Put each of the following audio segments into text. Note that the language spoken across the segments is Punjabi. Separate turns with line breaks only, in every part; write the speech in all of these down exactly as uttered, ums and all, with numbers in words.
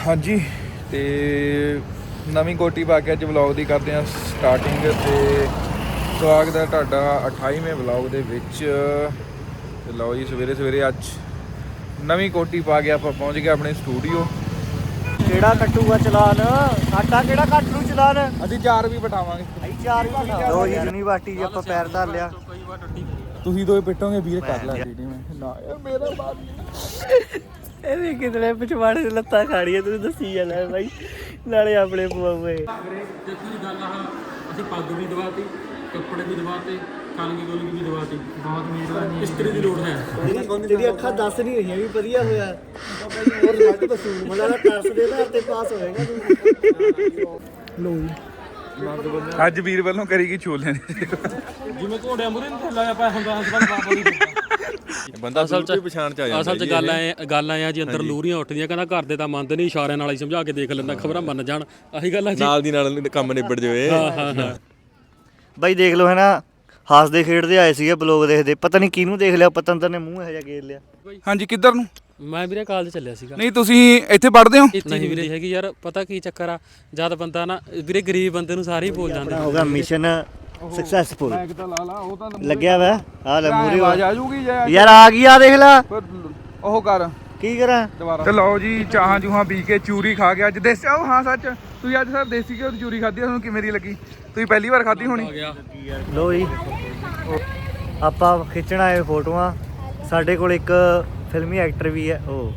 हाँ जी तो नवीं कोटी पा के अज व्लॉग की करते हैं स्टार्टिंग। तो स्वागत है तुहाडा अठाईवें व्लॉग दे विच। ते लो जी सवेरे सवेरे अज नवीं कोटी पा के आप पहुँच गए अपने स्टूडियो।
केड़ा कट्टूगा चलान साडा केड़ा कट नूं चलान
असीं चार भी बिठावांगे।
ਅਸੀਂ ਚਾਰ ਵੀ ਬਿਠਾ ਲਓ ਜੀ ਯੂਨੀਵਰਸਿਟੀ 'ਚ ਆਪਾਂ ਪੈਰ ਧਰ ਲਿਆ।
ਤੁਸੀਂ ਦੋਏ ਪਿੱਟੋਗੇ ਵੀਰ ਕਰ ਲੈ ਵੀਡੀਓ ਮੈਂ ਨਾ ਯਾਰ ਮੇਰਾ ਬਾਤ ਨਹੀਂ।
ਇਹ ਵੀ ਕਿਧਰੇ ਪਿਛਵਾੜੇ ਲੱਤਾਂ ਖਾੜੀਆਂ ਤੂੰ ਦੱਸੀ ਜਾਣਾ ਬਾਈ ਨਾਲੇ ਆਪਣੇ ਪਵਾਵੇ।
ਦੇਖੋ ਜੀ ਗੱਲ ਆ ਅਸੀਂ ਪੱਗ ਵੀ ਦਵਾਤੀ ਕੱਪੜੇ ਵੀ ਦਵਾਤੇ ਕਲਗੀ ਗੋਲਗੀ ਵੀ ਦਵਾਤੀ ਬਹੁਤ ਨੀਡ ਇਸਤਰੀ ਦੀ ਲੋੜ ਹੈ।
ਤੇਰੀ ਅੱਖਾਂ ਦੱਸ ਨਹੀਂ ਰਹੀਆਂ ਵੀ ਵਧੀਆ ਹੋਇਆ ਹੋਰ ਰਿਜ਼ਲਟ ਦੱਸੂ ਮਤਲਬ ਟੈਸਟ ਦੇ ਆਧਾਰ ਤੇ ਪਾਸ ਹੋਏਗਾ ਤੂੰ। ਲੋ ਜੀ
ਅੱਜ ਵੀਰ ਵੱਲੋਂ ਕਰੀਗੀ ਛੋਲੇ
ਜਿਵੇਂ ਘੋੜਿਆਂ ਮੁਰੇ ਨੂੰ ਥੱਲਾ ਆ ਪਿਆ ਹੁੰਦਾ ਹਸਬੰਦ ਬਾਬਾ ਦੀ
ਬੰਦਾ ਅਸਲ ਚ ਪਛਾਣ ਚ ਆ ਜਾਂਦਾ।
ਅਸਲ ਚ ਗੱਲ ਐ ਗੱਲ ਐ ਜੀ ਅੰਦਰ ਲੂਰੀਆਂ ਉੱਠਦੀਆਂ ਕਹਿੰਦਾ ਘਰ ਦੇ ਤਾਂ ਮੰਨਦੇ ਨਹੀਂ ਇਸ਼ਾਰਿਆਂ ਨਾਲ ਹੀ ਸਮਝਾ ਕੇ ਦੇਖ ਲੈਂਦਾ ਖਬਰਾਂ ਮੰਨ ਜਾਣ ਆਹੀ ਗੱਲ ਆ ਜੀ
ਨਾਲ ਦੀ ਨਾਲ ਕੰਮ ਨਿਬੜ ਜਾਵੇ।
ਹਾਂ ਹਾਂ ਹਾਂ
ਬਾਈ ਦੇਖ ਲਓ ਹੈ ਨਾ ਹੱਸਦੇ ਖੇਡਦੇ ਆਏ ਸੀਗੇ ਬਲੌਗ ਦੇਖਦੇ ਪਤਾ ਨਹੀਂ ਕਿਹਨੂੰ ਦੇਖ ਲਿਆ ਪਤੰਦਰ ਨੇ ਮੂੰਹ ਇਹੋ ਜਿਹਾ ਗੇਰ ਲਿਆ।
ਹਾਂਜੀ ਕਿੱਧਰ ਨੂੰ?
ਮੈਂ ਵੀਰੇ ਕਾਲਜ ਚੱਲਿਆ ਸੀਗਾ।
ਨਹੀਂ ਤੁਸੀਂ ਇੱਥੇ ਪੜ੍ਹਦੇ ਹੋ?
ਨਹੀਂ ਵੀਰੇ ਹੈਗੀ ਯਾਰ ਪਤਾ ਕੀ ਚੱਕਰ ਆ ਜਦ ਬੰਦਾ ਨਾ ਵੀਰੇ ਗਰੀਬ ਬੰਦੇ ਨੂੰ ਸਾਰੇ ਹੀ ਬੋਲ ਜਾਂਦੇ
ਹੋ ਗਿਆ ਮਿਸ਼ਨ ਸਕਸੈਸਫੁਲ
ਬੈਗ ਤਾਂ ਲਾ ਲਾ ਉਹ ਤਾਂ
ਲੱਗਿਆ ਵਾ ਆ ਲੈ ਮੂਰੇ
ਆਵਾਜ਼ ਆ ਜੂਗੀ
ਯਾਰ ਆ ਗਈ ਆ ਦੇਖ ਲੈ
ਉਹ ਕਰ
ਕੀ ਕਰਾਂ
ਦੁਬਾਰਾ। ਤੇ ਲਓ ਜੀ ਚਾਹਾਂ ਚੂਹਾਂ ਪੀ ਕੇ ਚੂਰੀ ਖਾ ਕੇ ਅੱਜ ਦੇਸੀ ਉਹ ਹਾਂ ਸੱਚ ਤੁਸੀਂ ਅੱਜ ਸਰ ਦੇਸੀ ਘਿਓ ਦੀ ਚੂਰੀ ਖਾਧੀ ਤੁਹਾਨੂੰ ਕਿਵੇਂ ਦੀ ਲੱਗੀ? ਤੁਸੀਂ ਪਹਿਲੀ ਵਾਰ ਖਾਧੀ ਹੋਣੀ।
ਲੋ ਜੀ ਆਪਾਂ ਖਿੱਚਣ ਆਏ ਫੋਟੋਆਂ ਸਾਡੇ ਕੋਲ ਇੱਕ ਫਿਲਮੀ ਐਕਟਰ ਵੀ ਹੈ ਉਹ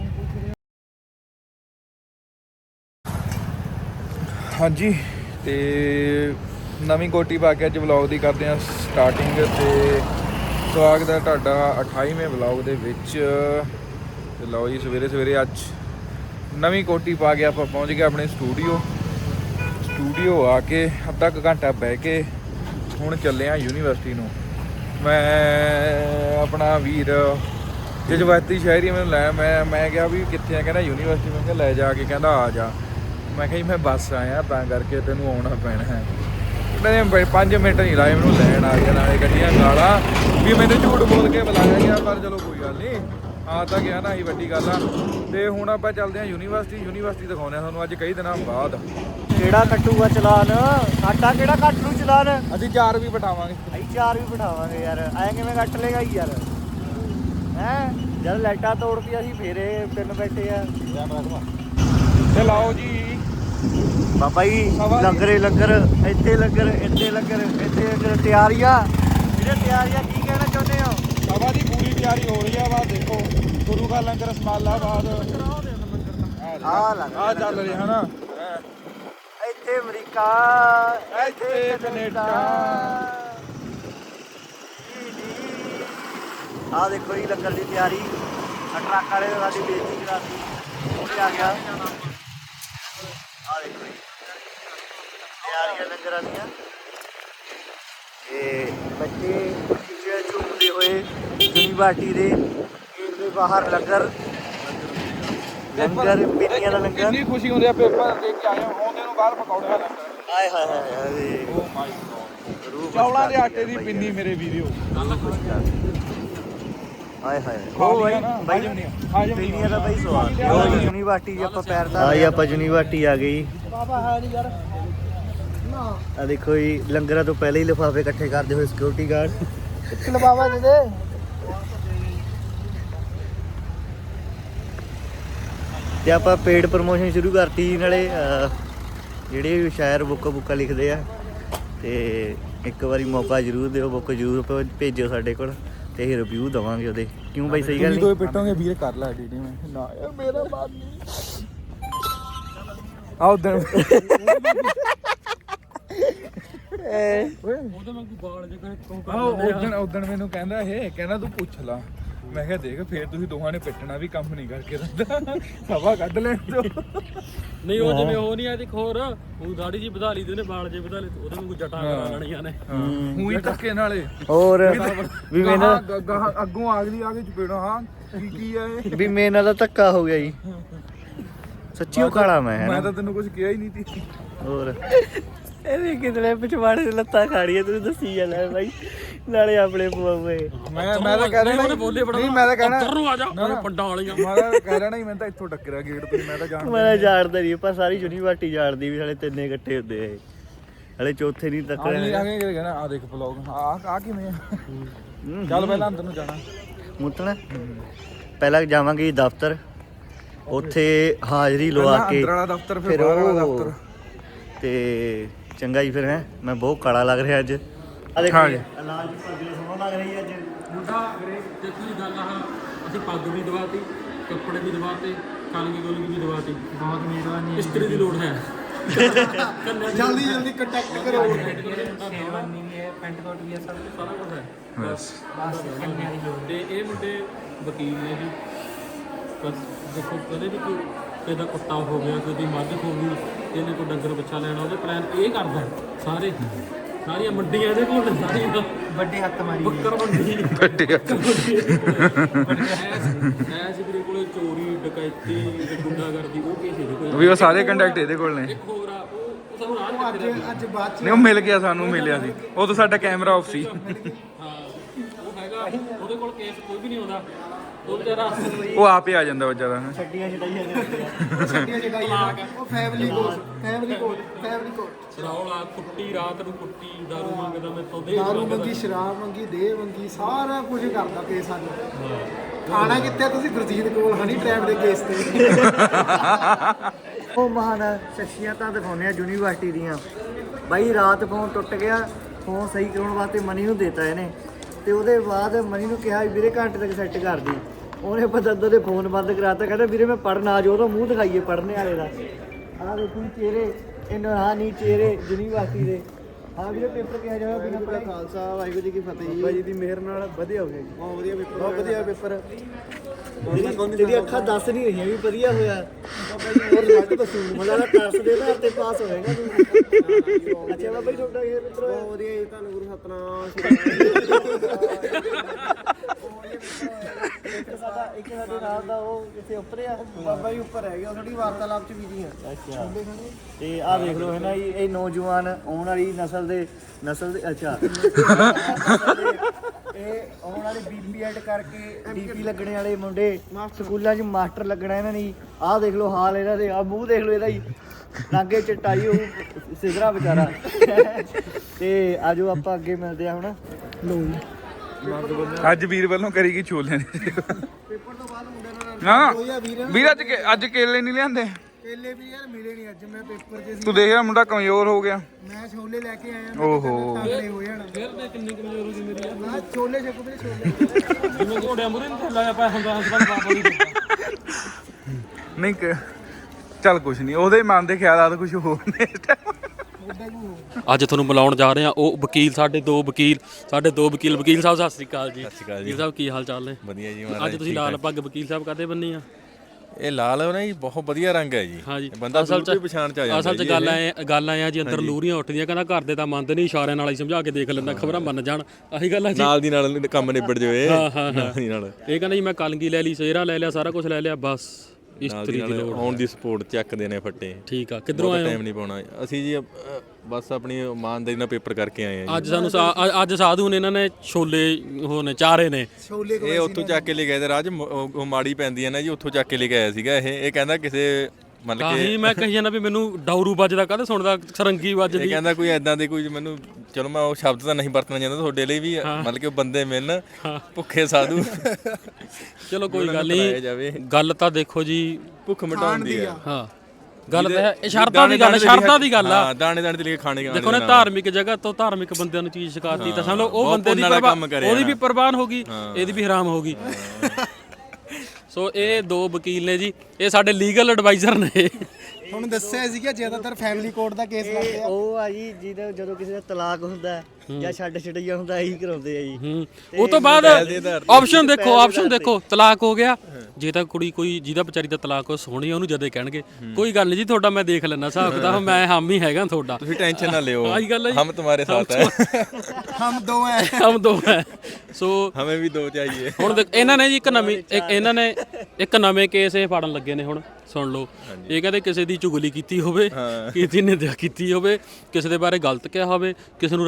ਹਾਂਜੀ ਤੇ ਨਵੀਂ ਕੋਟੀ ਪਾ ਕੇ ਅੱਜ ਵਲੌਗ ਦੀ ਕਰਦੇ ਹਾਂ ਸਟਾਰਟਿੰਗ। ਤੇ ਸਵਾਗਤ ਹੈ ਤੁਹਾਡਾ ਅਠਾਈਵੇਂ ਵਲੌਗ ਦੇ ਵਿੱਚ। ਤੇ ਲਓ ਜੀ ਸਵੇਰੇ ਸਵੇਰੇ ਅੱਜ ਨਵੀਂ ਕੋਟੀ ਪਾ ਕੇ ਆਪਾਂ ਪਹੁੰਚ ਗਏ ਆਪਣੇ ਸਟੂਡੀਓ। ਸਟੂਡੀਓ ਆ ਕੇ ਅੱਧਾ ਕੁ ਘੰਟਾ ਬਹਿ ਕੇ ਹੁਣ ਚੱਲੇ ਆ ਯੂਨੀਵਰਸਿਟੀ ਨੂੰ। ਮੈਂ ਆਪਣਾ ਵੀਰ ਜਜ਼ਬਾਤੀ ਸ਼ਹਿਰੀ ਮੈਨੂੰ ਲੈ ਮੈਂ ਮੈਂ ਕਿਹਾ ਵੀ ਕਿੱਥੇ ਆ? ਕਹਿੰਦਾ ਯੂਨੀਵਰਸਿਟੀ। ਮੈਂ ਕਿਹਾ ਲੈ ਜਾ ਕੇ ਕਹਿੰਦਾ ਆ ਜਾ। ਮੈਂ ਕਿਹਾ ਜੀ ਮੈਂ ਬੱਸ ਆਇਆ ਤਾਂ ਕਰਕੇ ਤੈਨੂੰ ਆਉਣਾ ਪੈਣਾ ਹੈ। ਕਹਿੰਦੇ ਪੰਜ ਮਿੰਟ ਨਹੀਂ ਲਾਏ ਮੈਨੂੰ ਲੈਣ ਆ ਗਿਆ ਨਾਲੇ ਗੱਡੀਆਂ ਗਾਲਾਂ ਵੀ ਮੈਨੂੰ ਝੂਠ ਬੋਲ ਕੇ ਬੁਲਾਇਆ ਗਿਆ ਪਰ ਚਲੋ ਕੋਈ ਗੱਲ ਨਹੀਂ ਆ ਤਾਂ ਗਿਆ ਨਾ ਹੀ ਵੱਡੀ ਗੱਲ ਆ। ਤੇ ਹੁਣ ਆਪਾਂ ਚੱਲਦੇ ਹਾਂ ਯੂਨੀਵਰਸਿਟੀ। ਯੂਨੀਵਰਸਿਟੀ ਦਿਖਾਉਂਦੇ ਹਾਂ ਤੁਹਾਨੂੰ ਅੱਜ ਕਈ ਦਿਨਾਂ ਬਾਅਦ। ਕਿਹੜਾ ਕੱਟੂਗਾ ਚਲਾਨ ਸਾਡਾ ਕਿਹੜਾ ਕੱਟ ਨੂੰ ਚਲਾਨ
ਅਸੀਂ ਚਾਰ ਵੀ ਬਿਠਾਵਾਂਗੇ।
ਅਸੀਂ ਚਾਰ ਵੀ ਬਿਠਾਵਾਂਗੇ ਯਾਰ ਐਂ ਕਿਵੇਂ ਕੱਟ ਲੇਗਾ ਯਾਰ ਹੈਂ ਜਦ ਲਾਈਟਾਂ ਤੋੜਦੀ ਅਸੀਂ ਫੇਰੇ ਤਿੰਨ ਬੈਠੇ ਆ।
ਤੇ ਲਾਓ ਜੀ
ਬਾਬਾ ਜੀ ਲੰਗਰੇ ਲੰਗਰ ਇੱਥੇ ਲੰਗਰ ਇੱਥੇ ਲੰਗਰ ਇੱਥੇ ਲੰਗਰ ਤਿਆਰੀਆਂ ਵੀਰੇ ਤਿਆਰੀਆਂ ਕੀ ਕਹਿਣਾ ਚਾਹੁੰਦੇ ਹੋ?
ਸਭਾ ਦੀ ਪੂਰੀ ਤਿਆਰੀ ਹੋ ਰਹੀ ਆ। ਵਾ ਦੇਖੋ ਗੁਰੂ ਦਾ ਲੰਗਰ ਸਮਾਲਾਬਾਦ
ਆ ਲੱਗ
ਆ ਚੱਲ ਰਿਹਾ ਹੈ ਨਾ।
ਇੱਥੇ ਅਮਰੀਕਾ
ਇੱਥੇ ਕੈਨੇਡਾ।
ਆ ਦੇਖੋ ਜੀ ਲੰਗਰ ਦੀ ਤਿਆਰੀ ਆ ਟਰੱਕ ਵਾਲੇ ਨੇ ਸਾਡੀ ਬੇਇੱਜ਼ਤੀ ਕਰਾਤੀ ਉਹਨੇ ਆ ਗਿਆ। ਆ ਦੇਖੋ ਜੀ ਤਿਆਰੀਆਂ ਲੰਗਰਾਂ ਦੀਆਂ ਤੇ ਬੱਚੇ ਪਿੱਛੇ ਝੂਮਦੇ ਹੋਏ ਯੂਨੀਵਰਸਿਟੀ ਦੇ ਗੇਟ ਦੇ ਬਾਹਰ ਲੰਗਰ ਲੰਗਰ ਪੀਣੀਆਂ ਦਾ ਲੰਗਰ।
ਕਿੰਨੀ ਖੁਸ਼ੀ ਹੁੰਦੀ ਆ ਪੇਪਰ ਦੇ ਕੇ ਆਏ ਆਉਂਦੇ ਨੂੰ ਬਾਹਰ ਪਕੌੜੇ ਦਾ ਲੰਗਰ।
ਆਏ ਹਾਏ ਹਾਏ
ਓ ਮਾਈ ਗॉड ਚੌਲਾਂ ਦੇ ਆਟੇ ਦੀ ਪਿੰਨੀ ਮੇਰੇ ਵੀਡੀਓ।
ਆਏ ਹਾਏ ਉਹ ਬਾਈ ਬਾਈ ਪੀਣੀਆਂ ਦਾ ਬਾਈ ਸਵਾਦ। ਯੂਨੀਵਰਸਿਟੀ ਆਪਾਂ ਪੈਰ ਦਾ ਆਈ ਆਪਾਂ ਯੂਨੀਵਰਸਿਟੀ ਆ ਗਈ। ਬਾਬਾ ਹੈ ਨਹੀਂ ਯਾਰ ਆ ਦੇਖੋ ਜੀ ਲੰਗਰਾਂ ਤੋਂ ਪਹਿਲੇ ਹੀ ਲਿਫਾਫੇ ਇਕੱਠੇ ਕਰਦੇ ਹੋਏ ਸਿਕਿਉਰਿਟੀ ਗਾਰਡ ਲਫਾਫਾ ਦੇ ਦੇ। ਤੇ ਆਪਾਂ ਪੇਡ ਪ੍ਰਮੋਸ਼ਨ ਸ਼ੁਰੂ ਕਰਤੀ ਨਾਲੇ ਜਿਹੜੇ ਵੀ ਸ਼ਾਇਰ ਬੁੱਕਾਂ ਬੁੱਕਾਂ ਲਿਖਦੇ ਆ ਤੇ ਇੱਕ ਵਾਰੀ ਮੌਕਾ ਜ਼ਰੂਰ ਦਿਓ ਬੁੱਕ ਜ਼ਰੂਰ ਭੇਜਿਓ ਸਾਡੇ ਕੋਲ ਤੇ ਅਸੀਂ ਰਿਵਿਊ ਦਵਾਂਗੇ ਉਹਦੇ। ਕਿਉਂ ਬਾਈ ਸਹੀ ਗੱਲ ਨਹੀਂ?
ਦੋਏ ਪਿੱਟੋਗੇ ਵੀਰ ਕਰ ਲੈ ਡੀਡੀ ਮੈਂ ਨਾ ਯਾਰ ਮੇਰਾ ਬਾਤ ਨਹੀਂ। ਆ ਉਧਰ
ਉਹਦੇ ਮੈਂ ਕੋਈ ਬਾਲ ਜੇ ਕੋਈ
ਆ ਉਧਰ ਉਧਰ ਮੈਨੂੰ ਕਹਿੰਦਾ ਇਹ ਕਹਿੰਦਾ ਤੂੰ ਪੁੱਛ ਲਾ। ਮੈਂ ਕਿਹਾ ਦੇਖ ਫੇਰ ਤੁਸੀਂ ਦੋਹਾਂ ਨੇ ਪਿੱਟਣਾ ਵੀ ਕੰਮ ਨਹੀਂ ਕਰਕੇ ਦਿੰਦਾ ਸਭਾ ਕੱਢ ਲੈਣ ਦਿਓ।
ਨਹੀਂ ਉਹ ਜਿਵੇਂ ਉਹ ਨਹੀਂ ਆ ਦੇਖ ਹੋਰ ਉਹ ਦਾੜੀ ਜੀ ਵਧਾ ਲਈ ਤੇ ਉਹਨੇ ਬਾਲ ਜੇ ਵਧਾ ਲਏ ਉਹਦੇ ਨੂੰ ਕੋਈ ਜਟਾਂ ਕਰਾ ਲੈਣੀਆਂ ਨੇ।
ਹੂੰ ਹੀ ਧੱਕੇ ਨਾਲੇ
ਹੋਰ ਵੀ ਮੇਨਾ
ਅੱਗੋਂ ਆਗਲੀ ਆ ਕੇ ਚਪੇੜੋ। ਹਾਂ ਕੀ ਕੀ ਆ ਇਹ
ਵੀ ਮੇਰੇ ਨਾਲ ਧੱਕਾ ਹੋ ਗਿਆ ਜੀ ਸੱਚੀ ਉਹ ਕਾਲਾ ਮੈਂ
ਮੈਂ ਤਾਂ ਤੈਨੂੰ ਕੁਝ ਕਿਹਾ ਹੀ ਨਹੀਂ ਸੀ।
ਹੋਰ ਇਹ ਵੀ ਕਿਧਰੇ ਪਿਛਵਾੜੇ ਲੱਤਾਂ ਖਾੜੀਆਂ ਤੂੰ ਦੱਸੀ ਜਾਣਾ ਬਾਈ
ਨਾਲੇ ਆਪਣੇ ਪਵਾਵੇ।
ਮੈਂ ਮੈਂ ਤਾਂ ਕਹਿ ਰਿਹਾ
ਉਹਨੇ ਬੋਲੇ ਬੜਾ
ਨਹੀਂ ਮੈਂ ਤਾਂ ਕਹਿਣਾ
ਉੱਧਰ ਨੂੰ ਆ ਜਾ ਪੱਡਾਂ ਵਾਲੀਆਂ
ਮੈਂ ਤਾਂ ਕਹਿ ਰਿਹਾ ਨਹੀਂ ਮੈਂ ਤਾਂ ਇੱਥੋਂ ਟੱਕਰਿਆ ਗੇਟ ਤੋਂ ਮੈਂ ਤਾਂ ਜਾਣ
ਮੈਂ ਜਾਣਦਾ ਨਹੀਂ ਪਰ ਸਾਰੀ ਯੂਨੀਵਰਸਿਟੀ ਜਾਣਦੀ ਵੀ ਸਾਲੇ ਤਿੰਨੇ ਇਕੱਠੇ ਹੁੰਦੇ ਆ ਇਹ। ਹਲੇ ਚੌਥੇ ਨਹੀਂ ਟੱਕਰਿਆ
ਆਗੇ ਆਗੇ ਕਹਿਣਾ ਆ ਦੇਖ ਬਲੌਗ ਆ ਆ ਕਿਵੇਂ ਆ ਚੱਲ ਪਹਿਲਾਂ ਅੰਦਰ ਨੂੰ ਜਾਣਾ
ਮੁੱਤਣਾ ਪਹਿਲਾਂ ਜਾਵਾਂਗੇ ਦਫ਼ਤਰ ਉੱਥੇ ਹਾਜ਼ਰੀ ਲਵਾ ਕੇ
ਅੰਦਰ ਵਾਲਾ ਦਫ਼ਤਰ ਫਿਰ
ਫਿਰ
ਬਾਹਰ ਵਾਲਾ
ਉਹ-
ਦਫ਼ਤਰ
ਤੇ ਚੰਗਾ ਹੀ ਫਿਰ ਹੈ ਮੈਂ ਬਹੁਤ ਕਾਲਾ ਲੱਗ ਰਿਹਾ ਅੱਜ ਆ ਦੇਖੋ
ਹਾਂ ਜੀ।
ਲਾਲ ਜੀ ਪੱਗ ਸੋਹਣਾ ਲੱਗ ਰਹੀ ਅੱਜ
ਮੁੰਡਾ ਦੇਖੋ ਜੀ ਗੱਲ ਆ ਅਸੀਂ ਪੱਗ ਵੀ ਦਵਾਤੀ ਕੱਪੜੇ ਵੀ ਦਵਾਤੇ ਕਲਗੀ ਗੁਲਗੀ ਵੀ ਦਵਾਤੀ ਬਹੁਤ ਮਿਹਰਬਾਨੀ ਇਸਤਰੀ ਦੀ ਲੋੜ ਹੈ
ਜਲਦੀ ਜਲਦੀ ਕੰਟੈਕਟ ਕਰੋ
ਸ਼ੇਰਵਾਨੀ ਵੀ ਹੈ ਪੈਂਟ ਕੋਟ ਵੀ ਹੈ ਸਭ ਕੁਝ ਸਾਰਾ ਕੁਝ ਹੈ
ਬਸ
ਤੇ ਇਹ ਮੁੰਡੇ ਵਕੀਲ ਨੇ ਜੀ ਬਸ ਦੇਖੋ ਕਦੇ ਵੀ ਕੋਈ ਕਿਸੇ ਦਾ ਕੁੱਤਾ ਹੋ ਗਿਆ ਕੋਈ ਦੀ ਮੱਝ ਹੋ ਗਈ ਇਹਨੇ ਕੋਈ ਡੰਗਰ ਬੱਚਾ ਲੈਣਾ ਉਹਦੇ ਪਲਾਨ ਇਹ ਕਰਦਾ ਸਾਰੇ ਸਾਰੀਆਂ ਮੰਡੀਆਂ ਇਹਦੇ ਕੋਲ ਨੇ ਸਾਰੀਆਂ
ਵੱਡੇ ਹੱਥ ਮਾਰੀ
ਬੱਕਰ ਮੰਡੀ
ਵੱਡੇ
ਐਸ ਵੀਰੇ ਕੋਲੇ ਚੋਰੀ ਡਕੈਤੀ ਤੇ ਗੁੰਡਾਗਰਦੀ ਉਹ ਕੇਸ ਇਹਦੇ ਕੋਲ
ਵੀ ਉਹ ਸਾਰੇ ਕੰਟੈਕਟ ਇਹਦੇ ਕੋਲ ਨੇ
ਇੱਕ ਹੋਰ ਆ ਉਹ ਉਹ ਸਾਨੂੰ ਰਾਹ
ਅੱਜ ਅੱਜ ਬਾਅਦ ਚ
ਨਹੀਂ ਉਹ ਮਿਲ ਗਿਆ ਸਾਨੂੰ ਮਿਲਿਆ ਸੀ ਉਹ ਤਾਂ ਸਾਡਾ ਕੈਮਰਾ ਆਫ ਸੀ
ਹਾਂ ਉਹ ਹੈਗਾ ਉਹਦੇ ਕੋਲ ਕੇਸ ਕੋਈ ਵੀ ਨਹੀਂ ਆਉਂਦਾ ਉਹ ਵਿਚਾਰਾ
ਉਹ ਆਪੇ ਆ ਜਾਂਦਾ ਵਿਚਾਰਾ
ਛੱਡੀਆਂ ਛਡਾਈਆਂ ਕਰਦੇ
ਛੱਡੀਆਂ ਜਗਾਈ ਉਹ ਫੈਮਿਲੀ ਕੋਲ ਫੈਮਿਲੀ ਕੋਲ ਫੈਮਿਲੀ ਕੋਲ
ਰੌਲਾ ਕੁੱਟੀ ਰਾਤ ਨੂੰ ਕੁੱਟੀ ਦਾਰੂ ਮੰਗਦਾ ਮੈਂ ਤੋਂ ਦੇ
ਦਾਰੂ ਮੰਗੀ ਸ਼ਰਾਬ ਮੰਗੀ ਦੇਹ ਮੰਗੀ ਸਾਰਾ ਕੁਝ ਕਰਦਾ ਕੇਸ ਅੱਜ ਆਣਾ ਕਿੱਥੇ ਤੁਸੀਂ ਗੁਰਜੀਤ ਕੋਲ ਹਨੀ ਟ੍ਰੈਪ ਦੇ ਕੇਸ ਤੇ
ਉਹ ਮਹਾਨ ਸ਼ਖਸੀਅਤਾਂ ਦਿਖਾਉਂਦੇ ਆ ਯੂਨੀਵਰਸਿਟੀ ਦੀਆਂ ਬਾਈ ਰਾਤ ਫੋਨ ਟੁੱਟ ਗਿਆ ਫੋਨ ਸਹੀ ਕਰਾਉਣ ਵਾਸਤੇ ਮਨੀ ਨੂੰ ਦੇਤਾ ਇਹਨੇ ਤੇ ਉਹਦੇ ਬਾਅਦ ਮਨੀ ਨੂੰ ਕਿਹਾ ਵੀ ਵੀਰੇ ਘੰਟੇ ਤੱਕ ਸੈੱਟ ਕਰ ਦੀ ਉਹਨੇ ਪਤੰਦਰ ਦੇ ਫੋਨ ਬੰਦ ਕਰਾਤਾ ਕਹਿੰਦਾ ਵੀਰੇ ਮੈਂ ਪੜਨ ਆ ਜਾਓ ਉਹਦਾ ਮੂੰਹ ਦਿਖਾਈਏ ਪੜਨੇ ਵਾਲੇ ਦਾ ਆਹ ਦੇਖੋ ਜੀ ਚਿਹਰੇ ਇਹਨਾਂ ਹਾਂ ਨਹੀਂ ਚਿਹਰੇ ਯੂਨੀਵਰਸਿਟੀ ਦੇ ਹਾਂ ਵੀਰੇ ਪੇਪਰ ਕਿਹਾ ਜਾਵੇ ਬਿਨਾਂ ਪੜ੍ਹਾਈ ਖਾਲਸਾ ਵਾਹਿਗੁਰੂ ਜੀ ਕੀ ਫਤਿਹ ਜੀ ਬਾਬਾ ਜੀ ਦੀ ਮਿਹਰ ਨਾਲ ਵਧੀਆ ਹੋ ਗਿਆ ਜੀ ਬਹੁਤ ਵਧੀਆ ਪੇਪਰ ਬਹੁਤ ਵਧੀਆ ਪੇਪਰ ਤੇਰੀ ਅੱਖਾਂ ਦੱਸ ਨਹੀਂ ਰਹੀਆਂ ਵੀ ਵਧੀਆ ਹੋਇਆ ਬਾਬਾ ਜੀ ਹੋਰ ਲੱਗ ਦੱਸੂ ਮਤਲਬ ਤਰਸ ਦੇ ਆਧਾਰ ਤੇ ਪਾਸ ਹੋਏਗਾ ਤੂੰ ਅੱਛਾ ਬਾਬਾ ਜੀ ਤੁਹਾਡਾ ਇਹ ਪੇਪਰ ਬਹੁਤ ਵਧੀਆ ਜੀ ਤੁਹਾਨੂੰ ਗੁਰੂ ਸਤਨਾਮ ਇੱਕ ਸਾਡਾ ਇੱਕ ਸਾਡੇ ਨਾਲ ਦਾ ਉਹ ਕਿੱਥੇ ਉੱਪਰ ਆ ਬਾਬਾ ਜੀ ਉੱਪਰ ਰਹਿ ਗਿਆ ਥੋੜੀ ਵਾਰਤਾਲਾਪ ਚ ਬੀਜੀ ਆ ਅੱਛਾ ਤੇ ਆਹ ਦੇਖ ਲਓ ਹੈ ਨਾ ਜੀ ਇਹ ਨੌਜਵਾਨ ਆਉਣ ਵਾਲੀ ਨਸਲ ਦੇ ਨਸਲ ਦੇ ਅੱਛਾ ਇਹ ਆਉਣ ਵਾਲੇ ਬੀਪੀ ਐਡ ਕਰਕੇ ਡੀਪੀ ਲੱਗਣੇ ਵਾਲੇ ਮੁੰਡੇ ਸਕੂਲਾਂ 'ਚ ਮਾਸਟਰ ਲੱਗਣਾ ਇਹਨਾਂ ਨੇ ਆਹ ਦੇਖ ਲਓ ਹਾਲ ਇਹਨਾਂ ਦੇ ਆ ਮੂੰਹ ਦੇਖ ਲਓ ਇਹਦਾ ਹੀ ਲਾਗੇ ਚਟਾਈ ਉਹ ਸਿਧਰਾ ਵਿਚਾਰਾ ਤੇ ਆਜੋ ਆਪਾਂ ਅੱਗੇ ਮਿਲਦੇ ਆ ਹੁਣ ਲੋ
ਅੱਜ ਵੀਰ ਵੱਲੋਂ ਕਰੀ ਗਈ ਛੋਲੇ ਨੇ
ਪੇਪਰ ਤੋਂ ਬਾਅਦ ਮੁੰਡੇ ਨਾਲ
ਹਾਂ
ਹੋਇਆ ਵੀਰ
ਵੀਰ ਅੱਜ ਕੇ- ਅੱਜ ਕੇਲੇ ਨਹੀਂ ਲਿਆਂਦੇ
ਕੇਲੇ ਵੀ ਯਾਰ ਮਿਲੇ ਨਹੀਂ ਅੱਜ ਮੈਂ ਪੇਪਰ 'ਚ ਸੀ
ਤੂੰ ਦੇਖ ਰਿਹਾ ਮੁੰਡਾ ਕਮਜ਼ੋਰ ਹੋ ਗਿਆ
ਮੈਂ ਛੋਲੇ ਲੈ ਕੇ ਆਇਆ
ਓਹੋ
ਤਗੜੇ ਹੋ ਜਾਣ
ਫਿਰ ਤੇ ਕਿੰਨੀ ਕਿੰਨੀ ਜ਼ਰੂਰੀ ਮੇਰੀ ਆ
ਮੈਂ ਛੋਲੇ ਛਕ ਵੀ ਛੋਲੇ
ਜਿਵੇਂ ਘੋੜਿਆਂ ਮੁਰੇ ਨਹੀਂ ਲਾਇਆ ਪਿਆ ਹੁੰਦਾ ਹਸਪਤਾਲ ਬਾਬਾ ਦੀ
ਨਹੀਂ ਕ- ਚੱਲ ਕੁਛ ਨਹੀਂ ਉਹਦੇ ਮਨ ਦੇ ਖਿਆਲਾਤ ਕੁਝ ਹੋਰ ਨੇ ਇਸ time।
ਅੱਜ ਤੁਹਾਨੂੰ ਬੁਲਾਉਣ ਜਾ ਰਹੇ ਆ ਉਹ ਵਕੀਲ ਸਾਡੇ ਦੋ ਵਕੀਲ ਸਾਡੇ ਦੋ ਵਕੀਲ ਵਕੀਲ ਸਾਹਿਬ ਸਤਿ ਸ੍ਰੀ ਅਕਾਲ ਜੀ
ਸਤਿ ਸ਼੍ਰੀ ਅਕਾਲ ਜੀ।
ਵਕੀਲ ਸਾਹਿਬ ਕੀ ਹਾਲ ਚਾਲ ਨੇ
ਵਧੀਆ ਜੀ
ਅੱਜ
ਮਹਾਰਾਜ
ਤੁਸੀਂ ਲਾਲ ਪੱਗ ਵਕੀਲ ਸਾਹਿਬ ਕਾਦੇ ਬੰਨੀ ਆ
ਇਹ ਲਾਲ ਹੈ ਨਾ ਜੀ ਬਹੁਤ ਵਧੀਆ ਰੰਗ ਹੈ ਜੀ
ਹਾਂ ਜੀ
ਇਹ ਬੰਦਾ
ਅਸਲ
ਦੂਰ ਤੋਂ ਹੀ ਪਛਾਣ ਚ ਆ ਜਾਂਦਾ
ਅਸਲ ਚ ਗੱਲ ਐ ਗੱਲ ਐ ਆ ਜੀ ਅੰਦਰ ਲੂਰੀਆਂ ਉੱਠਦੀਆਂ ਕਹਿੰਦਾ ਘਰ ਦੇ ਤਾਂ ਮੰਨਦੇ ਨਹੀਂ ਇਸ਼ਾਰਿਆਂ ਨਾਲ ਹੀ ਸਮਝਾ ਕੇ ਦੇਖ ਲੈਂਦਾ ਖਬਰਾਂ ਮੰਨ ਜਾਣ ਆਹੀ ਗੱਲ ਆ ਜੀ
ਨਾਲ ਦੀ ਨਾਲ ਕੰਮ ਨਿਬੜ ਜਾਵੇ
ਹਾਂ, ਹਾਂ,
ਨਾਲ ਦੀ ਨਾਲ
ਇਹ ਕਹਿੰਦਾ ਜੀ ਮੈਂ ਕਲਗੀ ਲੈ ਲਈ ਸੇਰਾ ਲੈ ਲਿਆ ਸਾਰਾ ਕੁਝ ਲੈ ਲਿਆ ਬਸ
ਨਾਲ
ਇਸਤਰੀ
ਦੀ
ਦੀ
ਨਾਲ
ਲੋੜ
ਔਨ ਦੀ ਸਪੋਰਟ ਚੱਕਦੇ ਨੇ ਫੱਟੇ
ਠੀਕ ਆ ਕਿੱਧਰੋਂ
ਬਹੁਤ
ਆਏ ਹੋ
ਟਾਈਮ ਨਹੀਂ ਪਾਉਣਾ ਅਸੀਂ ਜੀ ਅ, ਬਸ ਆਪਣੀ ਇਮਾਨਦਾਰੀ ਨਾਲ ਪੇਪਰ ਕਰਕੇ ਆਏ ਆ
ਅੱਜ ਸਾਨੂੰ ਸਾ- ਅ- ਅੱਜ ਸਾਧੂ ਨੇ ਇਹਨਾਂ ਨੇ ਛੋਲੇ ਉਹ ਨੇ ਚਾਰੇ ਨੇ
ਛੋਲੇ
ਜੀ ਇਹ ਉੱਥੋਂ ਚੱਕ ਕੇ ਲੈ ਗਏ ਤੇ ਰਾਜ ਮ- ਉਹ ਉਹ ਮਾੜੀ ਪੈਂਦੀ ਹੈ ਨਾ ਜੀ ਉੱਥੋਂ ਚੱਕ ਕੇ ਲੈ ਕੇ ਆਇਆ ਸੀਗਾ ਇਹ ਇਹ ਕਹਿੰਦਾ ਕਿਸੇ ਮਤਲਬ ਕਿ
ਕਾਹੀ ਮੈਂ ਕਹੀ ਜਾਂਦਾ ਵੀ ਮੈਨੂੰ ਡਾਊਰੂ ਵੱਜਦਾ ਕਾਹਦੇ ਸੁਣਦਾ ਸਰੰਗੀ
ਇਹ
ਵੱਜਦੀ
ਕਹਿੰਦਾ ਕੋਈ ਐਦਾਂ ਦੇ ਕੋਈ ਮੈਨੂੰ ਚਲੋ ਮੈਂ ਉਹ ਸ਼ਬਦ ਤਾਂ ਨਹੀਂ ਵਰਤਣਾ ਚਾਹੁੰਦਾ ਤੁਹਾਡੇ ਲਈ ਵੀ ਮਤਲਬ ਕਿ ਉਹ ਬੰਦੇ ਮਿਲਣ ਭੁੱਖੇ ਸਾਧੂ
ਚਲੋ ਕੋਈ ਗੱਲ
ਬਣਾਇਆ
ਨਹੀਂ
ਜਾਵੇ
ਗੱਲ ਤਾਂ ਦੇਖੋ ਜੀ
ਭੁੱਖ ਮਿਟਾਉਂਦੀ ਆ
ਹਾਂ ਗੱਲ ਤਾਂ ਹੈ ਇਹ ਸ਼ਰਤਾਂ ਦੀ ਗੱਲ ਹੈ ਸ਼ਰਤਾਂ ਦੀ ਗੱਲ ਆ
ਹਾਂ ਦਾਣੇ ਦਾਣੇ ਤੇ ਲਿਖੇ ਖਾਣੇ ਖਾਣੇ
ਦੇਖੋ ਨਾ ਧਾਰਮਿਕ ਜਗ੍ਹਾ ਤੋਂ ਧਾਰਮਿਕ ਬੰਦਿਆਂ ਨੂੰ ਚੀਜ਼ ਸ਼ਿਕਾਰਤੀ ਤਾਂ ਸਮਝ ਲਓ ਉਹ
ਬਹੁਤ
ਬੰਦੇ ਦੀ
ਪੁੰਨ ਵਾਲਾ
ਪਰਵਾਹ
ਕੰਮ ਕਰਿਆ
ਉਹਦੀ ਵੀ ਪ੍ਰਵਾਨ ਹੋ ਗਈ ਇਹਦੀ ਵੀ ਹਰਾਮ ਹੋ ਗਈ ਸੋ ਇਹ ਦੋ ਵਕੀਲ ਨੇ ਜੀ ਇਹ ਸਾਡੇ ਲੀਗਲ ਐਡਵਾਈਜ਼ਰ ਨੇ
ਤੁਹਾਨੂੰ ਦੱਸਿਆ ਸੀ ਕਿ ਜ਼ਿਆਦਾਤਰ ਫੈਮਿਲੀ ਕੋਰਟ ਦਾ ਕੇਸ ਲੱਗਦੇ ਆ
ਉਹ ਆ ਜੀ ਜਿਹਦਾ ਜਦੋਂ ਕਿਸੇ ਦਾ ਤਲਾਕ ਹੁੰਦਾ ਹੈ ਜਾਂ ਛੱਡ ਛੜਈਆ ਹੁੰਦਾ ਇਹੀ ਕਰਾਉਂਦੇ ਆ ਜੀ
ਹੂੰ ਉਹ ਤੋਂ ਬਾਅਦ ਆਪਸ਼ਨ ਦੇਖੋ ਆਪਸ਼ਨ ਦੇਖੋ ਤਲਾਕ ਹੋ ਗਿਆ ਜੇ ਤਾਂ ਕੁੜੀ ਕੋਈ ਜਿਹਦਾ ਵਿਚਾਰੀ ਦਾ ਤਲਾਕ ਹੋ ਸੋਹਣੀ ਆ ਉਹਨੂੰ ਜਦੇ ਕਹਿਣਗੇ ਕੋਈ ਗੱਲ ਨਹੀਂ ਜੀ ਤੁਹਾਡਾ ਮੈਂ ਦੇਖ ਲੈਣਾ ਹਿਸਾਬ ਕਿਤਾਬ ਮੈਂ ਹਾਮੀ ਹੈਗਾ ਤੁਹਾਡਾ
ਤੁਸੀਂ ਟੈਨਸ਼ਨ ਨਾ ਲਿਓ
ਆਹੀ ਗੱਲ ਹੈ ਜੀ।
ਹਮ ਤੁਹਾਡੇ ਸਾਥ ਹੈ
ਹਮ ਦੋ ਹੈ
ਹਮ ਦੋ ਹੈ ਸੋ
ਹमें ਵੀ ਦੋ ਚਾਹੀਏ
ਹੁਣ ਦੇਖ ਇਹਨਾਂ ਨੇ ਜੀ ਇੱਕ ਨਵੀਂ ਇੱਕ ਇਹਨਾਂ ਨੇ ਇੱਕ ਨਵੇਂ ਕੇਸ ਇਹ ਫੜਨ ਲੱਗੇ ਨੇ ਹੁਣ ਸੁਣ ਲਓ ਇਹ ਕਹਿੰਦੇ ਕਿਸੇ ਦੀ ਚੁਗਲੀ ਕੀਤੀ ਹੋਵੇ ਕਿਸੇ ਨੇ ਨਿੰਦਿਆ ਕੀਤੀ ਹੋਵੇ ਕਿਸੇ ਦੇ ਬਾਰੇ ਗਲਤ ਕਿਹਾ ਹੋਵੇ ਕਿਸੇ ਨੂੰ ਰਾਹ ਜਾਂਦੇ ਨੂੰ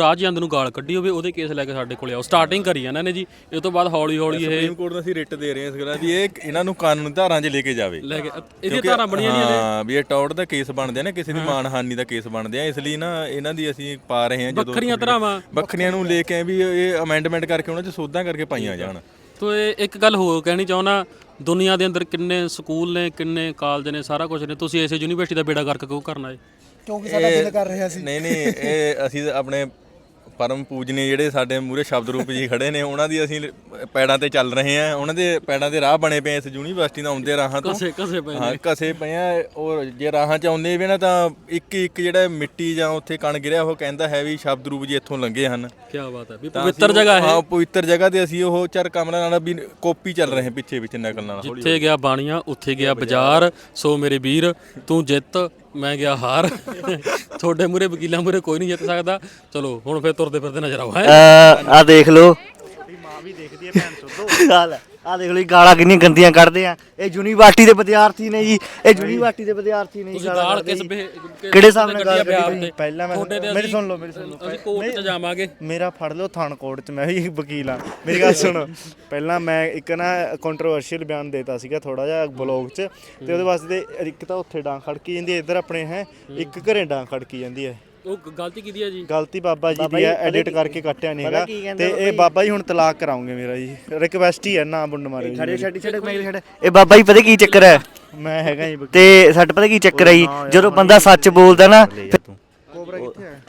ਨੂੰ ਗਾਲ ਕੱਢੀ ਹੋਵੇ ਉਹਦੇ ਕੇਸ ਲੈ ਕੇ ਸਾਡੇ ਕੋਲੇ ਆਓ। ਸਟਾਰਟਿੰਗ ਕਰੀ ਇਹਨਾਂ ਨੇ ਜੀ, ਇਹ ਤੋਂ ਬਾਅਦ ਹੌਲੀ ਹੌਲੀ ਇਹ
ਸੁਪਰੀਮ ਕੋਰਟ ਨੂੰ ਅਸੀਂ ਰਿਟ ਦੇ ਰਹੇ ਹਾਂ ਇਸ ਗੱਲ ਵੀ ਇਹ ਇਹਨਾਂ ਨੂੰ ਕਾਨੂੰਨੀ ਧਾਰਾਂ 'ਚ ਲੈ ਕੇ ਜਾਵੇ,
ਲੈ ਕੇ ਇਹਦੀਆਂ ਧਾਰਾਂ ਬਣੀਆਂ ਨਹੀਂ
ਹਾਂ ਵੀ ਇਹ ਟੌੜ ਦਾ ਕੇਸ ਬਣਦੇ ਆ ਨਾ, ਕਿਸੇ ਦੀ ਮਾਨਹਾਨੀ ਦਾ ਕੇਸ ਬਣਦੇ ਆ, ਇਸ ਲਈ ਨਾ ਇਹਨਾਂ ਦੀ ਅਸੀਂ ਪਾ ਰਹੇ ਹਾਂ ਜਦੋਂ
ਵੱਖਰੀਆਂ ਧਾਰਾਵਾਂ
ਵੱਖਰੀਆਂ ਨੂੰ ਲੈ ਕੇ ਵੀ ਇਹ ਅਮੈਂਡਮੈਂਟ ਕਰਕੇ ਉਹਨਾਂ 'ਚ ਸੋਧਾਂ ਕਰਕੇ ਪਾਈਆਂ ਜਾਣ।
ਤੋ ਇਹ ਇੱਕ ਗੱਲ ਹੋਰ ਕਹਿਣੀ ਚਾਹੁੰਦਾ, ਦੁਨੀਆ ਦੇ ਅੰਦਰ ਕਿੰਨੇ ਸਕੂਲ ਨੇ, ਕਿੰਨੇ ਕਾਲਜ ਨੇ, ਸਾਰਾ ਕੁਝ ਨੇ, ਤੁਸੀਂ ਇਸੇ ਯੂਨੀਵਰਸਿਟੀ ਦਾ ਬੇੜਾ ਗਰਕ ਕਿਉਂ ਕਰਨਾ ਹੈ?
ਕਿਉਂਕਿ ਸਾਡਾ ਦਿਲ ਕਰ ਰਿਹਾ ਸੀ।
ਨਹੀਂ ਨਹੀਂ ਇਹ ਅਸੀਂ ਆਪਣੇ ਪਰਮ ਪੂਜਨੀ ਜਿਹੜੇ ਸਾਡੇ ਮੂਹਰੇ ਸ਼ਬਦ ਰੂਪ ਜੀ ਖੜੇ ਨੇ ਉਹਨਾਂ ਦੀ ਅਸੀਂ ਪੈੜਾਂ ਤੇ ਚੱਲ ਰਹੇ ਹਾਂ, ਉਹਨਾਂ ਦੇ ਪੈੜਾਂ ਦੇ ਰਾਹ ਬਣੇ ਪਏ ਇਸ ਯੂਨੀਵਰਸਿਟੀ ਨਾਲ ਆਉਂਦੇ ਰਾਹਾਂ ਤੋਂ
ਕਸੇ ਕਸੇ ਪਏ
ਹਾਂ ਕਸੇ ਪਏ ਆ। ਔਰ ਜੇ ਰਾਹਾਂ 'ਚ ਆਉਂਦੇ ਵੀ ਨਾ ਤਾਂ ਇੱਕ ਇੱਕ ਜਿਹੜਾ ਮਿੱਟੀ ਜਾਂ ਉੱਥੇ ਕਣ ਗਿਰਿਆ ਉਹ ਕਹਿੰਦਾ ਹੈ ਵੀ ਸ਼ਬਦ ਰੂਪ ਜੀ ਇੱਥੋਂ ਲੰਘੇ ਹਨ।
ਕੀ ਬਾਤ ਹੈ ਵੀ
ਤਾਂ
ਪਵਿੱਤਰ
ਅਸੀਂ ਉਹ-
ਜਗ੍ਹਾ ਹੈ।
ਹਾਂ ਪਵਿੱਤਰ ਜਗ੍ਹਾ ਤੇ ਅਸੀਂ ਉਹ ਚਾਰ ਕਮਲਾਂ ਨਾਲ ਵੀ ਕਾਪੀ ਚੱਲ ਰਹੇ ਪਿੱਛੇ ਵਿੱਚ ਨਕਲ ਨਾਲ।
ਜਿੱਥੇ ਗਿਆ ਬਾਣੀਆਂ ਉੱਥੇ ਗਿਆ ਬਾਜ਼ਾਰ, ਸੋ ਮੇਰੇ ਵੀਰ ਤੂੰ ਜਿੱਤ ਮੈਂ ਗਿਆ ਹਾਰ। ਤੁਹਾਡੇ ਮੂਰੇ ਵਕੀਲਾਂ ਮੂਰੇ ਕੋਈ ਨਹੀਂ ਜਿੱਤ ਸਕਦਾ। ਚਲੋ ਹੁਣ ਫਿਰ ਤੁਰਦੇ ਫਿਰਦੇ ਨਜ਼ਰ ਆਓ।
ਆ ਦੇਖ ਲਓ ਮਾਂ ਵੀ ਦੇਖਦੀ ਹੈ ਭੈਣ ਚੋਦੋ। ਹਾਲ ਆ ਦੇਖ ਲਓ ਜੀ, ਗਾਲਾਂ ਕਿੰਨੀਆਂ ਗੰਦੀਆਂ ਕੱਢਦੇ ਆ। ਇਹ ਯੂਨੀਵਰਸਿਟੀ ਦੇ ਵਿਦਿਆਰਥੀ ਨੇ ਜੀ, ਇਹ ਯੂਨੀਵਰਸਿਟੀ ਦੇ ਵਿਦਿਆਰਥੀ ਨੇ ਜੀ।
ਤੁਸੀਂ ਗਾਲ ਕਿਸ ਬੇ-
ਕਿਹੜੇ ਹਿਸਾਬ ਨਾਲ ਗਾਲ
ਬਿਹਾਰ
ਕੱਢੀ?
ਤੇ?
ਪਹਿਲਾਂ ਮੈਂ
ਤੁਹਾਡੇ ਤੇ
ਮੇਰੀ
ਅਸੀਂ-
ਸੁਣ ਲਓ ਮੇਰੀ ਸੁਣ ਲਓ
ਅਸੀਂ ਕੋਰਟ 'ਚ ਜਾਵਾਂਗੇ।
ਮੇਰਾ ਫੜ ਲਓ ਥਾਣਕੋਟ 'ਚ, ਮੈਂ ਵੀ ਵਕੀਲ ਆ। ਮੇਰੀ ਗੱਲ ਸੁਣੋ, ਪਹਿਲਾਂ ਮੈਂ ਇੱਕ ਨਾ ਕੰਟਰੋਵਰਸ਼ੀਅਲ ਬਿਆਨ ਦੇਤਾ ਸੀਗਾ ਥੋੜਾ ਜਿਹਾ ਬਲੌਗ 'ਚ, ਤੇ ਉਹਦੇ ਵਾਸਤੇ ਇੱਕ ਤਾਂ ਉੱਥੇ ਡਾਂਗ ਖੜਕੀ ਜਾਂਦੀ ਹੈ, ਇੱਧਰ ਆਪਣੇ ਹੈ ਇੱਕ ਘਰੇ ਡਾਂਗ ਖੜਕੀ ਜਾਂਦੀ ਹੈ।
ਉਹ ਗਲਤੀ ਕੀਤੀ ਹੈ ਜੀ।
ਗਲਤੀ ਬਾਬਾ ਜੀ ਦੀ ਹੈ, ਐਡਿਟ ਕਰਕੇ ਕੱਟਿਆ ਨਹੀਂ ਹੈਗਾ। ਤੇ ਇਹ ਬਾਬਾ ਜੀ ਹੁਣ ਤਲਾਕ ਕਰਾਉਂਗੇ ਮੇਰਾ ਜੀ, ਰਿਕਵੈਸਟ ਹੀ ਹੈ, ਨਾ ਬੁੰਡ ਮਾਰੇ
ਛੱਡ ਛੱਡ ਛੱਡ ਮੈਂ ਛੱਡ। ਇਹ ਬਾਬਾ ਜੀ ਪਤਾ ਕੀ ਚੱਕਰ ਹੈ,
ਮੈਂ ਹੈਗਾ ਜੀ ਵਕੀਲ।
ਤੇ ਸਾਡੇ ਪਤਾ ਕੀ ਚੱਕਰ ਹੈ ਜੀ, ਜਦੋਂ ਬੰਦਾ ਸੱਚ ਬੋਲਦਾ ਨਾ ਫਿਰ-
ਕੋਬਰਾ ਕਿੱਥੇ ਹੈ?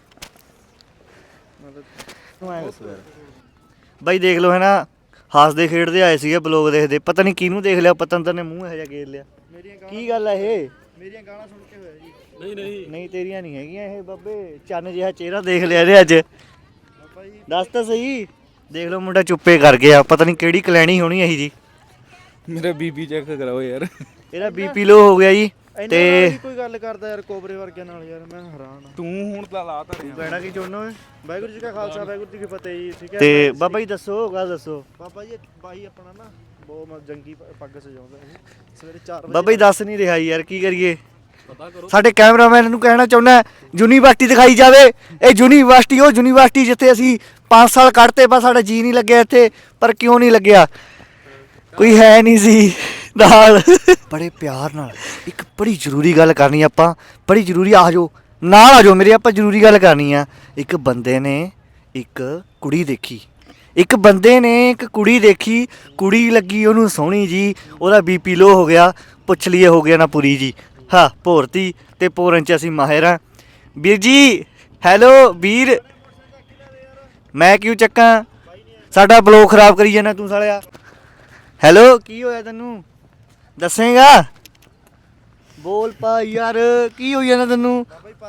ਤੂੰ ਐਂ ਦੱਸ ਯਾਰ।
ਬਾਈ ਦੇਖ ਲਓ ਹੈ ਨਾ, ਹੱਸਦੇ ਖੇਡਦੇ ਆਏ ਸੀਗੇ ਬਲੌਗ ਦੇਖਦੇ, ਪਤਾ ਨਹੀਂ ਕਿਹਨੂੰ ਦੇਖ ਲਿਆ, ਪਤੰਦਰ ਨੇ ਮੂੰਹ ਇਹੋ ਜਿਹਾ ਗੇਰ ਲਿਆ। ਕੀ ਗੱਲ ਹੈ ਇਹ?
ਮੇਰੀਆਂ ਗਾਲਾਂ ਸੁਣ ਕੇ ਹੋਇਆ ਜੀ।
ਨਹੀਂ ਨਹੀਂ
ਨਹੀਂ ਤੇਰੀਆਂ ਨਹੀਂ ਹੈਗੀਆਂ ਇਹ ਬਾਬੇ, ਚੰਨ ਜਿਹਾ ਚਿਹਰਾ ਦੇਖ ਲਿਆ ਇਹਦੇ ਅੱਜ। ਦੱਸ ਤਾਂ ਸਹੀ। ਦੇਖ ਲਓ ਮੁੰਡਾ ਚੁੱਪੇ ਕਰ ਗਿਆ, ਪਤਾ ਨਹੀਂ ਕਿਹੜੀ ਕਲੈਣੀ ਹੋਣੀ ਇਹੀ ਜੀ।
ਮੇਰਾ ਬੀਪੀ ਚੈੱਕ ਕਰਾਓ ਯਾਰ।
ਇਹਦਾ ਬੀਪੀ ਲੋ ਹੋ ਗਿਆ ਜੀ।
ਤੇ
ਤੇ
ਕੋਈ ਗੱਲ ਕਰਦਾ ਯਾਰ ਕੋਬਰੇ ਵਰਗਿਆਂ ਨਾਲ, ਯਾਰ ਮੈਂ ਹੈਰਾਨ ਆ।
ਤੂੰ ਹੁਣ ਤਾਂ ਲਾ ਤਾਂ ਰਿਹਾ।
ਕਹਿਣਾ ਕੀ ਚਾਹੁੰਦਾ ਓਏ? ਵਾਹਿਗੁਰੂ ਜੀ ਕਾ ਖਾਲਸਾ ਵਾਹਿਗੁਰੂ ਜੀ ਕੀ ਫਤਿਹ ਜੀ। ਠੀਕ ਹੈ
ਤੇ ਬਾਬਾ ਜੀ ਦੱਸੋ, ਗੱਲ ਦੱਸੋ
ਬਾਬਾ ਜੀ ਬਾਈ ਆਪਣਾ ਨਾ ਬਹੁਤ ਮ- ਜੰਗੀ ਪ- ਪੱਗ ਸਜਾਉਂਦਾ ਇਹ ਸਵੇਰੇ ਚਾਰ ਵਜੇ।
ਬਾਬਾ ਜੀ ਦੱਸ ਨਹੀਂ ਰਿਹਾ ਯਾਰ, ਕੀ ਕਰੀਏ?
ਪਤਾ ਕਰੋ।
ਸਾਡੇ ਕੈਮਰਾਮੈਨ ਨੂੰ ਕਹਿਣਾ ਚਾਹੁੰਦਾ ਯੂਨੀਵਰਸਿਟੀ ਦਿਖਾਈ ਜਾਵੇ। ਇਹ ਯੂਨੀਵਰਸਿਟੀ ਉਹ ਯੂਨੀਵਰਸਿਟੀ ਜਿੱਥੇ ਅਸੀਂ ਪੰਜ ਸਾਲ ਕੱਢਤੇ, ਬਸ ਸਾਡਾ ਜੀ ਨਹੀਂ ਲੱਗਿਆ ਇੱਥੇ। ਪਰ ਕਿਉਂ ਨਹੀਂ ਲੱਗਿਆ? ਕੋਈ ਹੈ ਨਹੀਂ ਸੀ ਨਾਲ। ਬੜੇ ਪਿਆਰ ਨਾਲ ਇੱਕ ਬੜੀ ਜ਼ਰੂਰੀ ਗੱਲ ਕਰਨੀ ਆਪਾਂ, ਬੜੀ ਜ਼ਰੂਰੀ। ਆ ਜਾਓ ਨਾਲ, ਆ ਜਾਓ ਮੇਰੇ, ਆਪਾਂ ਜ਼ਰੂਰੀ ਗੱਲ ਕਰਨੀ ਆ। ਇੱਕ ਬੰਦੇ ਨੇ ਇੱਕ ਕੁੜੀ ਦੇਖੀ, ਇੱਕ ਬੰਦੇ ਨੇ ਇੱਕ ਕੁੜੀ ਦੇਖੀ, ਕੁੜੀ ਲੱਗੀ ਉਹਨੂੰ ਸੋਹਣੀ ਜੀ, ਉਹਦਾ ਬੀਪੀ ਲੋ ਹੋ ਗਿਆ। ਪੁੱਛ ਲਈਏ ਹੋ ਗਿਆ ਨਾ ਪੂਰੀ ਜੀ। ਹਾਂ ਭੋਰਤੀ ਤੇ ਪੋਰਨ ਚ ਅਸੀਂ ਮਾਹਿਰ ਹਾਂ। ਵੀਰ ਜੀ ਹੈਲੋ ਵੀਰ, ਮੈਂ ਕਿਉਂ ਚੱਕਾਂ? ਸਾਡਾ ਬਲੌਗ ਖਰਾਬ ਕਰੀ ਜਾਂਦਾ ਤੂੰ ਸਾਲਿਆ। ਹੈਲੋ ਕੀ ਹੋਇਆ ਤੈਨੂੰ? ਦੱਸੇਗਾ? ਬੋਲ ਪਾ ਯਾਰ, ਕੀ ਹੋਈ ਜਾਂਦਾ ਤੈਨੂੰ?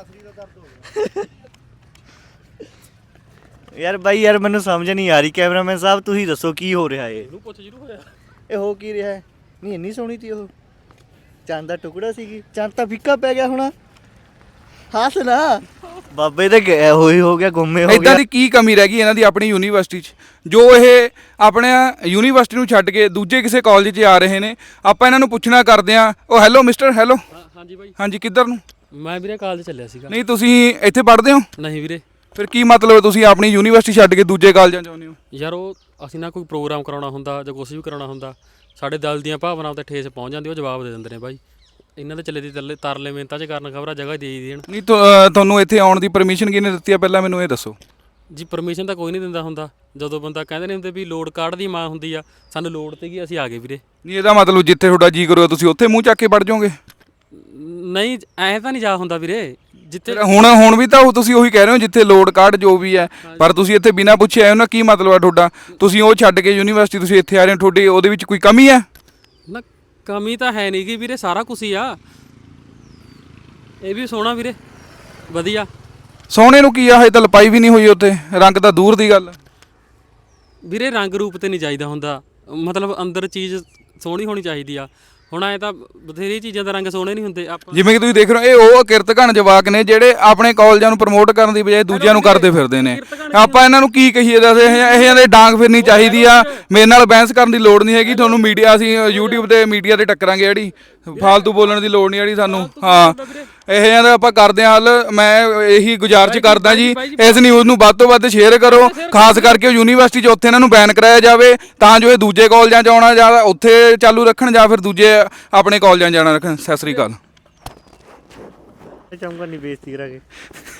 ਯਾਰ ਬਾਈ ਯਾਰ ਮੈਨੂੰ ਸਮਝ ਨਹੀਂ ਆ ਰਹੀ। ਕੈਮਰਾਮੈਨ ਸਾਹਿਬ ਤੁਸੀਂ ਦੱਸੋ ਕੀ ਹੋ ਰਿਹਾ ਏ?
ਇਹਨੂੰ ਪੁੱਛ ਜਰੂਰ ਹੋਇਆ।
ਇਹ ਹੋ ਕੀ ਰਿਹਾ ਹੈ? ਨਹੀਂ ਇੰਨੀ ਸੋਹਣੀ ਤੀ ਉਹ, ਚੰਦ ਦਾ ਟੁਕੜਾ ਸੀਗੀ। ਚੰਦ ਤਾਂ ਫਿੱਕਾ ਪੈ ਗਿਆ ਹੋਣਾ। ਹੱਸ ਨਾ ਬਾਬੇ ਤੇ ਗਿਆ ਹੋਈ ਹੋ ਗਿਆ, ਗੁੰਮੇ ਹੋ
ਇਦਾਂ
ਗਿਆ।
ਦੀ ਕੀ ਕਮੀ ਰਹਿ ਗਈ ਇਹਨਾਂ ਦੀ ਆਪਣੀ ਯੂਨੀਵਰਸਿਟੀ 'ਚ, ਜੋ ਇਹ ਆਪਣੇ ਯੂਨੀਵਰਸਿਟੀ ਨੂੰ ਛੱਡ ਕੇ ਦੂਜੇ ਕਿਸੇ ਕਾਲਜ 'ਚ ਆ ਰਹੇ ਨੇ? ਆਪਾਂ ਇਹਨਾਂ ਨੂੰ ਪੁੱਛਣਾ ਕਰਦੇ ਆ। ਉਹ ਹੈਲੋ ਮਿਸਟਰ, ਹੈਲੋ
ਹਾਂਜੀ ਬਾਈ,
ਹਾਂਜੀ ਕਿੱਧਰ ਨੂੰ?
ਮੈਂ ਵੀਰੇ ਕਾਲਜ ਚੱਲਿਆ ਸੀਗਾ।
ਨਹੀਂ ਤੁਸੀਂ ਇੱਥੇ ਪੜ੍ਹਦੇ ਹੋ?
ਨਹੀਂ ਵੀਰੇ,
ਫਿਰ ਕੀ ਮਤਲਬ ਤੁਸੀਂ ਆਪਣੀ ਯੂਨੀਵਰਸਿਟੀ ਛੱਡ ਕੇ ਦੂਜੇ ਕਾਲਜਾਂ 'ਚ ਆਉਂਦੇ ਹੋ?
ਯਾਰ ਉਹ ਅਸੀਂ ਨਾ ਕੋਈ ਪ੍ਰੋਗਰਾਮ ਕਰਾਉਣਾ ਹੁੰਦਾ ਜਾਂ ਕੁਛ ਵੀ ਕਰਾਉਣਾ ਹੁੰਦਾ, ਸਾਡੇ ਦਿਲ ਦੀਆਂ ਭਾਵਨਾਵਾਂ ਤੇ ਠੇਸ ਪਹੁੰਚ ਜਾਂਦੀ, ਉਹ ਜਵਾਬ ਦੇ ਦਿੰਦੇ ਨੇ ਬਾਈ। ਇਹਨਾਂ ਦੇ ਚੱਲੇ ਦੀ ਤਰਲੇ ਤਰਲੇ ਮਿਹਨਤਾਂ 'ਚ ਕਰਨ ਖਬਰਾਂ ਜਗ੍ਹਾ ਦੇ ਹੀ ਦੇਣ।
ਨਹੀਂ ਤੁ- ਅਹ ਤੁਹਾਨੂੰ ਇੱਥੇ ਆਉਣ ਦੀ ਪਰਮਿਸ਼ਨ ਕਿਹਨੇ ਦਿੱਤੀ ਆ, ਪਹਿਲਾਂ ਮੈਨੂੰ ਇਹ ਦੱਸੋ।
ਜੀ ਪਰਮਿਸ਼ਨ ਤਾਂ ਕੋਈ ਨਹੀਂ ਦਿੰਦਾ ਹੁੰਦਾ। ਜਦੋਂ ਬੰਦਾ ਕਹਿੰਦੇ ਨੇ ਹੁੰਦੇ ਵੀ ਲੋਡ ਕਾਰਡ ਦੀ ਮਾਂ ਹੁੰਦੀ ਆ, ਸਾਨੂੰ ਲੋਡ ਤੇ ਗਈ, ਅਸੀਂ ਆ ਗਏ ਵੀਰੇ।
ਨਹੀਂ ਇਹਦਾ ਮਤਲਬ ਜਿੱਥੇ ਤੁਹਾਡਾ ਜੀ ਕਰੋ ਤੁਸੀਂ ਉੱਥੇ ਮੂੰਹ ਚੱਕ ਕੇ ਵੜ ਜਾਓਗੇ?
ਨਹੀਂ ਐਂ ਤਾਂ ਨਹੀਂ ਜਾ ਹੁੰਦਾ ਵੀਰੇ, ਜਿੱਥੇ
ਫਿਰ ਹੁਣ ਹੁਣ ਵੀ ਤਾਂ ਉਹ ਤੁਸੀਂ ਉਹੀ ਕਹਿ ਰਹੇ ਹੋ ਜਿੱਥੇ ਲੋਡ ਕਾਰਡ ਜੋ ਵੀ ਹੈ, ਪਰ ਤੁਸੀਂ ਇੱਥੇ ਬਿਨਾਂ ਪੁੱਛੇ ਆਏ ਹੋ ਨਾ। ਕੀ ਮਤਲਬ ਹੈ ਤੁਹਾਡਾ? ਤੁਸੀਂ ਉਹ ਛੱਡ ਕੇ ਯੂਨੀਵਰਸਿਟੀ ਤੁਸੀਂ ਇੱਥੇ ਆ ਰਹੇ ਹੋ, ਤੁਹਾਡੀ ਉਹਦੇ ਵਿੱਚ ਕੋਈ ਕਮੀ ਹੈ?
ਨਾ ਕਮੀ ਤਾਂ ਹੈ ਨਹੀਂ ਗੀ ਵੀਰੇ, ਸਾਰਾ ਕੁਛ ਹੀ ਆ। ਇਹ ਵੀ ਸੋਹਣਾ ਵੀਰੇ, ਵਧੀਆ।
ਸੋਹਣੇ ਨੂੰ ਕੀ ਆ, ਹਜੇ ਤਾਂ ਲਪਾਈ ਵੀ ਨਹੀਂ ਹੋਈ ਉੱਥੇ, ਰੰਗ ਤਾਂ ਦੂਰ ਦੀ ਗੱਲ।
ਵੀਰੇ ਰੰਗ ਰੂਪ ਤੇ ਨਹੀਂ ਚਾਹੀਦਾ ਹੁੰਦਾ, ਮਤਲਬ ਅੰਦਰ ਚੀਜ਼ ਸੋਹਣੀ ਹੋਣੀ ਚਾਹੀਦੀ ਆ। ਹੁਣ ਐ ਤਾਂ ਬਥੇਰੀ ਚੀਜ਼ਾਂ ਦਾ ਰੰਗ ਸੋਹਣੇ ਨਹੀਂ ਹੁੰਦੇ। ਆਪਾਂ
ਜਿਵੇਂ ਕਿ ਤੁਸੀਂ ਦੇਖ ਰਹੇ ਹੋ, ਇਹ ਉਹ ਕਿਰਤ ਘਣ ਜਵਾਕ ਨੇ ਜਿਹੜੇ ਆਪਣੇ ਕਾਲਜਾਂ ਨੂੰ ਪ੍ਰਮੋਟ ਕਰਨ ਦੀ ਬਜਾਏ ਦੂਜਿਆਂ ਨੂੰ ਕਰਦੇ ਫਿਰਦੇ ਨੇ। ਆਪਾਂ ਇਹਨਾਂ ਨੂੰ ਕੀ ਕਹੀਏ? ਦੱਸ ਇਹ ਇਹਨਾਂ ਦੇ ਡਾਂਗ ਫਿਰਨੀ ਚਾਹੀਦੀ ਆ। ਮੇਰੇ ਨਾਲ ਬਹਿਸ ਕਰਨ ਦੀ ਲੋੜ ਨਹੀਂ ਹੈਗੀ ਤੁਹਾਨੂੰ। ਮੀਡੀਆ ਅਸੀਂ YouTube ਤੇ ਮੀਡੀਆ ਤੇ ਟੱਕਰਾਂਗੇ, ਜਿਹੜੀ ਫਾਲਤੂ ਬੋਲਣ ਦੀ ਲੋੜ ਨਹੀਂ ਜਿਹੜੀ ਸਾਨੂੰ। ਹਾਂ ਇਹ ਜਿਹਾ ਦਾ ਆਪਾਂ ਕਰਦੇ ਹਾਂ ਹੱਲ। ਮੈਂ ਇਹੀ ਗੁਜ਼ਾਰਿਸ਼ ਕਰਦਾ ਜੀ ਇਸ ਨਿਊਜ਼ ਨੂੰ ਵੱਧ ਤੋਂ ਵੱਧ ਸ਼ੇਅਰ ਕਰੋ, ਖਾਸ ਕਰਕੇ ਯੂਨੀਵਰਸਿਟੀ 'ਚ ਉੱਥੇ ਇਹਨਾਂ ਨੂੰ ਬੈਨ ਕਰਾਇਆ ਜਾਵੇ ਤਾਂ ਜੋ ਇਹ ਦੂਜੇ ਕਾਲਜਾਂ 'ਚ ਆਉਣਾ ਜਾਂ ਉੱਥੇ ਚਾਲੂ ਰੱਖਣ ਜਾਂ ਫਿਰ ਦੂਜੇ ਆਪਣੇ ਕਾਲਜਾਂ 'ਚ ਜਾਣਾ ਰੱਖਣ। ਸਤਿ ਸ੍ਰੀ ਅਕਾਲ।
ਚਾਹੂੰਗਾ ਨਹੀਂ ਬੇਇੱਜ਼ਤੀ ਕਰਾ ਕੇ।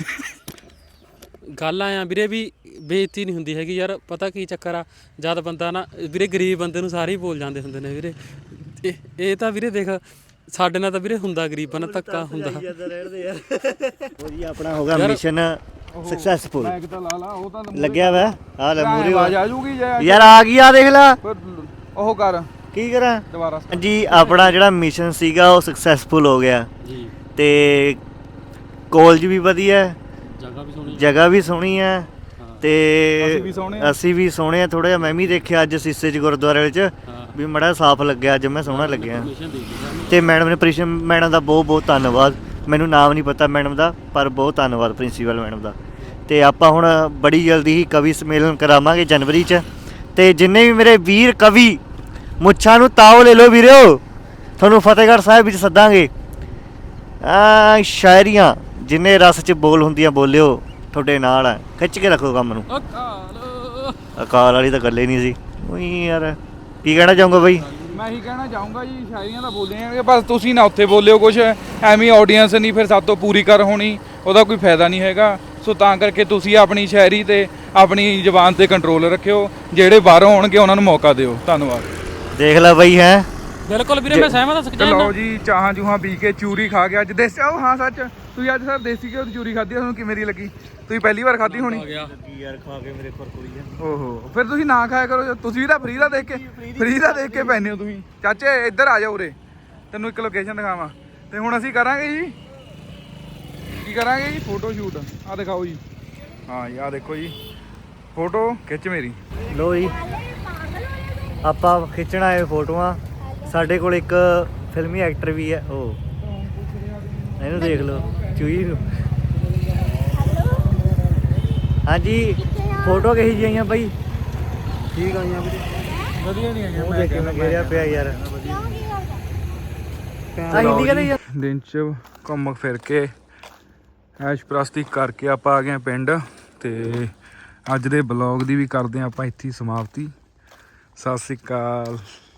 ਗੱਲ ਆਇਆ ਵੀਰੇ ਵੀ ਬੇਇੱਜ਼ਤੀ ਨਹੀਂ ਹੁੰਦੀ ਹੈਗੀ ਯਾਰ, ਪਤਾ ਕੀ ਚੱਕਰ ਆ, ਜਦ ਬੰਦਾ ਨਾ ਵੀਰੇ ਗਰੀਬ ਬੰਦੇ ਨੂੰ ਸਾਰੇ ਹੀ ਬੋਲ ਜਾਂਦੇ ਹੁੰਦੇ ਨੇ ਵੀਰੇ। ਇਹ ਇਹ ਤਾਂ ਵੀਰੇ ਦੇਖ ਸਾਡੇ ਨਾਲ ਤਾਂ ਵੀਰੇ ਹੁੰਦਾ ਗਰੀਬਾਂ ਨਾਲ ਧੱਕਾ ਹੁੰਦਾ।
ਉਹ ਜੀ ਆਪਣਾ ਹੋ ਗਿਆ ਮਿਸ਼ਨ ਸਕਸੈਸਫੁਲ।
ਮੈਂ ਕਿਤਾ ਲਾ ਲਾ ਉਹ ਤਾਂ
ਲੱਗਿਆ ਵਾ ਆ ਲੈ ਮੂਰੇ
ਆਵਾਜ਼ ਆ ਜੂਗੀ ਜੇ
ਯਾਰ ਆ ਗਈ ਆ ਦੇਖ ਲੈ।
ਉਹ ਕਰ
ਕੀ ਕਰਾਂ
ਦੁਬਾਰਾ
ਜੀ। ਆਪਣਾ ਜਿਹੜਾ ਮਿਸ਼ਨ ਸੀਗਾ ਉਹ ਸਕਸੈਸਫੁਲ ਹੋ ਗਿਆ
ਜੀ।
ਤੇ ਕਾਲਜ ਵੀ ਵਧੀਆ,
ਜਗ੍ਹਾ ਵੀ ਸੋਹਣੀ,
ਜਗ੍ਹਾ ਵੀ ਸੋਹਣੀ ਹੈ ਤੇ
ਅਸੀਂ ਵੀ ਸੋਹਣੇ ਆ।
ਅਸੀਂ ਵੀ ਸੋਹਣੇ ਆ ਥੋੜਾ ਜਿਹਾ। ਮੈਂ ਵੀ ਦੇਖਿਆ ਅੱਜ ਸੀਸੇ 'ਚ ਗੁਰਦੁਆਰੇ 'ਚ ਵੀ ਮੜਾ ਸਾਫ਼ ਲੱਗਿਆ, ਅੱਜ ਮੈਂ ਸੋਹਣਾ ਲੱਗਿਆ। ਤੇ ਮੈਡਮ ਨੇ ਪ੍ਰਿੰਸੀਪਲ ਮੈਡਮ ਦਾ ਬਹੁਤ ਬਹੁਤ ਧੰਨਵਾਦ। ਮੈਨੂੰ ਨਾਮ ਨਹੀਂ ਪਤਾ ਮੈਡਮ ਦਾ, ਪਰ ਬਹੁਤ ਧੰਨਵਾਦ ਪ੍ਰਿੰਸੀਪਲ ਮੈਡਮ ਦਾ। ਤੇ ਆਪਾਂ ਹੁਣ ਬੜੀ ਜਲਦੀ ਹੀ ਕਵੀ ਸੰਮੇਲਨ ਕਰਾਵਾਂਗੇ ਜਨਵਰੀ 'ਚ। ਤੇ ਜਿੰਨੇ ਵੀ ਮੇਰੇ ਵੀਰ ਕਵੀ ਮੁੱਛਾਂ ਨੂੰ ਤਾਓ ਲੈ ਲਓ ਵੀਰਿਓ, ਤੁਹਾਨੂੰ ਫਤਿਹਗੜ੍ਹ ਸਾਹਿਬ ਵਿੱਚ ਸੱਦਾਂਗੇ। ਆ ਸ਼ਾਇਰੀਆਂ ਜਿੰਨੇ ਰਸ 'ਚ ਬੋਲ ਹੁੰਦੀਆਂ ਬੋਲਿਓ, ਤੁਹਾਡੇ ਨਾਲ ਆ। ਖਿੱਚ ਕੇ ਰੱਖੋ ਕੰਮ ਨੂੰ। ਅਕਾਲ ਵਾਲੀ ਤਾਂ ਗੱਲ ਹੀ ਨਹੀਂ ਸੀ। ਉਹੀ ਯਾਰ ਕੀ ਕਹਿਣਾ ਚਾਹੂੰਗਾ ਬਾਈ?
ਮੈਂ ਇਹੀ ਕਹਿਣਾ ਚਾਹੂੰਗਾ ਜੀ, ਸ਼ਾਇਰੀਆਂ ਤਾਂ ਬੋਲੀਆਂ ਬਸ ਤੁਸੀਂ ਨਾ ਉੱਥੇ ਬੋਲਿਓ ਕੁਛ ਐਵੇਂ ਆਡੀਅנס ਨਹੀਂ ਫਿਰ ਸਾਡੇ ਤੋਂ ਪੂਰੀ ਕਰ ਹੋਣੀ, ਉਹਦਾ ਕੋਈ ਫਾਇਦਾ ਨਹੀਂ ਹੈਗਾ। ਸੋ ਤਾਂ ਕਰਕੇ ਤੁਸੀਂ ਆਪਣੀ ਸ਼ਾਇਰੀ ਤੇ ਆਪਣੀ ਜ਼ੁਬਾਨ ਤੇ ਕੰਟਰੋਲ ਰੱਖਿਓ, ਜਿਹੜੇ ਬਾਹਰੋਂ ਆਉਣਗੇ ਉਹਨਾਂ ਨੂੰ ਮੌਕਾ ਦਿਓ। ਧੰਨਵਾਦ।
ਦੇਖ ਲੈ ਬਾਈ ਹੈ
ਬਿਲਕੁਲ ਵੀਰੇ ਮੈਂ ਸਹਿਮਤ ਹਾਂ।
ਤੇ ਲਓ ਜੀ ਚਾਹਾਂ ਚੂਹਾਂ ਪੀ ਕੇ ਚੂਰੀ ਖਾ ਕੇ ਅੱਜ ਦੇਸੀ ਉਹ ਹਾਂ ਸੱਚ ਤੁਸੀਂ ਅੱਜ ਸਰ ਦੇਸੀ ਘਿਓ ਦੀ ਚੂਰੀ ਖਾਧੀ, ਤੁਹਾਨੂੰ ਕਿਵੇਂ ਦੀ ਲੱਗੀ? ਤੁਸੀਂ ਪਹਿਲੀ ਵਾਰ ਖਾਧੀ ਹੋਣੀ।
ਯਾਰ ਖਾ ਕੇ ਮੇਰੇ ਖੁਰਕੁਰੀ ਆ।
ਓਹੋ ਫਿਰ ਤੁਸੀਂ ਨਾ ਖਾਇਆ ਕਰੋ, ਤੁਸੀਂ ਵੀ ਤਾਂ ਫਰੀ ਦਾ ਦੇਖ ਕੇ ਫਰੀ ਦਾ ਦੇਖ ਕੇ ਪੈਨੇ ਹੋ ਤੁਸੀਂ। ਚਾਚੇ ਇੱਧਰ ਆ ਜਾਓ ਉਰੇ, ਤੈਨੂੰ ਇੱਕ ਲੋਕੇਸ਼ਨ ਦਿਖਾਵਾਂ। ਤੇ ਹੁਣ ਅਸੀਂ ਕਰਾਂਗੇ ਜੀ ਕੀ ਕਰਾਂਗੇ ਜੀ? Photo shoot. ਆ ਦਿਖਾਓ ਜੀ। ਹਾਂ ਜੀ ਆ ਦੇਖੋ ਜੀ ਫੋਟੋ ਖਿੱਚ ਮੇਰੀ।
ਲੋ ਜੀ ਆਪਾਂ ਖਿੱਚਣਾ ਇਹ ਫੋਟੋਆਂ। ਸਾਡੇ ਕੋਲ ਇੱਕ ਫਿਲਮੀ ਐਕਟਰ ਵੀ ਹੈ, ਉਹ ਇਹਨੂੰ ਦੇਖ ਲਓ ਚੂਹੀ ਨੂੰ। ਹਾਂਜੀ ਫੋਟੋ ਕਹੀ ਜਿਹੀਆਂ ਬਾਈ? ਠੀਕ ਆਈਆਂ ਵੀਰੇ, ਵਧੀਆ ਨਹੀਂ ਆਈਆਂ। ਮੈਂ ਕਿਹਾ ਗਿਆ ਪਿਆ ਯਾਰ ਆ ਹਿੰਦੀ ਕਦੇ ਯਾਰ।
ਦਿਨ ਚ ਘੁੰਮ ਫਿਰ ਕੇ ਐਸ਼ ਪ੍ਰਸਤੀ ਕਰਕੇ ਆਪਾਂ ਆ ਗਏ ਪਿੰਡ। ਤੇ ਅੱਜ ਦੇ ਬਲੌਗ ਦੀ ਵੀ ਕਰਦੇ ਹਾਂ ਆਪਾਂ ਇੱਥੇ ਹੀ ਸਮਾਪਤੀ। ਸਤਿ ਸ਼੍ਰੀ ਅਕਾਲ।